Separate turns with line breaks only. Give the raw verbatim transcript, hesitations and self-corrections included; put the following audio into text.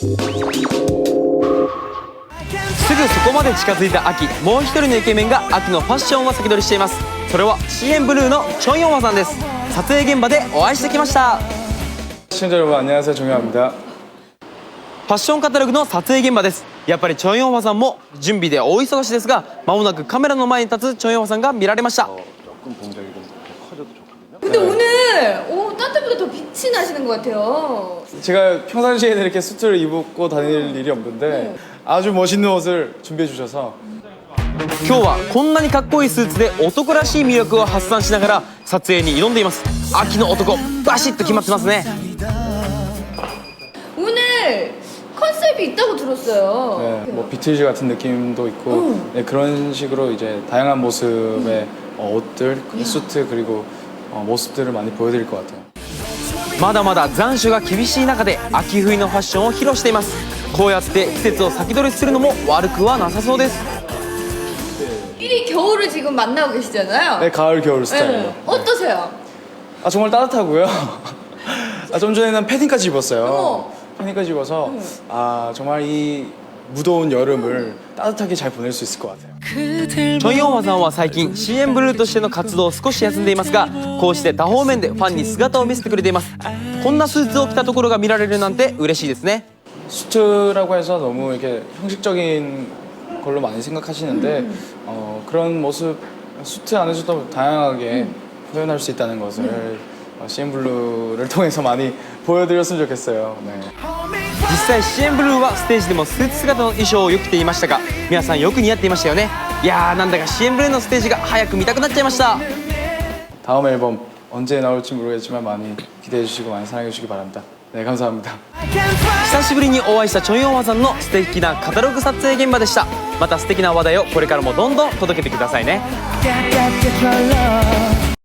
すぐそこまで近づいた秋、もう一人のイケメンが秋のファッションを先取りしています。それは シーエム ブルーのチョンヨンファさんです。撮影現場でお会いしてきました。
시청자여러분안녕하세요종현아입니다。
ファッションカタログの撮影現場です。やっぱりチョンヨンファさんも準備で大忙しですが、間もなくカメラの前に立つチョンヨンファさんが見られました。
근데 오늘 오, 딴 때보다 더 빛이 나시는 것 같아요.
제가 평상시에는 이렇게 수트를 입고 다닐 일이 없는데 아주 멋있는 옷을 준비해 주셔서
今日はこんなにかっこいいスーツで男らしい魅力を発散しながら撮影に挑んでいます。秋の男バシッと決まってますね。
오늘 컨셉이 있다고 들었어요.
네, 뭐 비틀즈 같은 느낌도 있고
음.
네, 그런 식으로 이제 다양한 모습의 음. 어, 옷들, 수트 그리고 어, 모습들을 많이 보여드릴 것 같아요.
まだまだ残暑が厳しい中で秋冬のファッションを披露しています。こうやって季節を先取りするのも悪くはなさそうです。
미리 겨울을 지금 만나고 계시잖아요.
네, 가을 겨울 스타일.
네. 어떠세요?
아 정말 따뜻하고요. 아, 좀 전에는 패딩까지 입었어요.
어머.
패딩까지 입어서 아 정말 이 무더운 여름을 따뜻하게 잘 보낼 수 있을 것 같아요.
チョンヨンファさんは最近 シーエム ブルーとしての活動を少し休んでいますが、こうして多方面でファンに姿を見せてくれています。こんなスーツを着たところが見られるなんて嬉しいですね。
수트라고 해서 너무 이렇게 형식적인 걸로 많이 생각하시는데 음. 어, 그런 모습 수트 안에서도 다양하게 음. 표현할 수 있다는 것을 음. 어, 씨엠 블루를 통해서 많이 보여드렸으면 좋겠어요. 네.
実際 シーエム ブルーはステージでもスーツ姿の衣装をよく着ていましたが、皆さんよく似合っていましたよね。いやーなんだか シーエム ブルーのステージが早く見たくなっちゃいました。
다음 앨범 언제 나올지 모르겠지만 많이 기대해 주시고 많이 사랑해 주시기 바랍니다. 네, 감사합니다.
久しぶりにお会いしたチョンヨンファさんの素敵なカタログ撮影現場でした。また素敵な話題をこれからもどんどん届けてくださいね。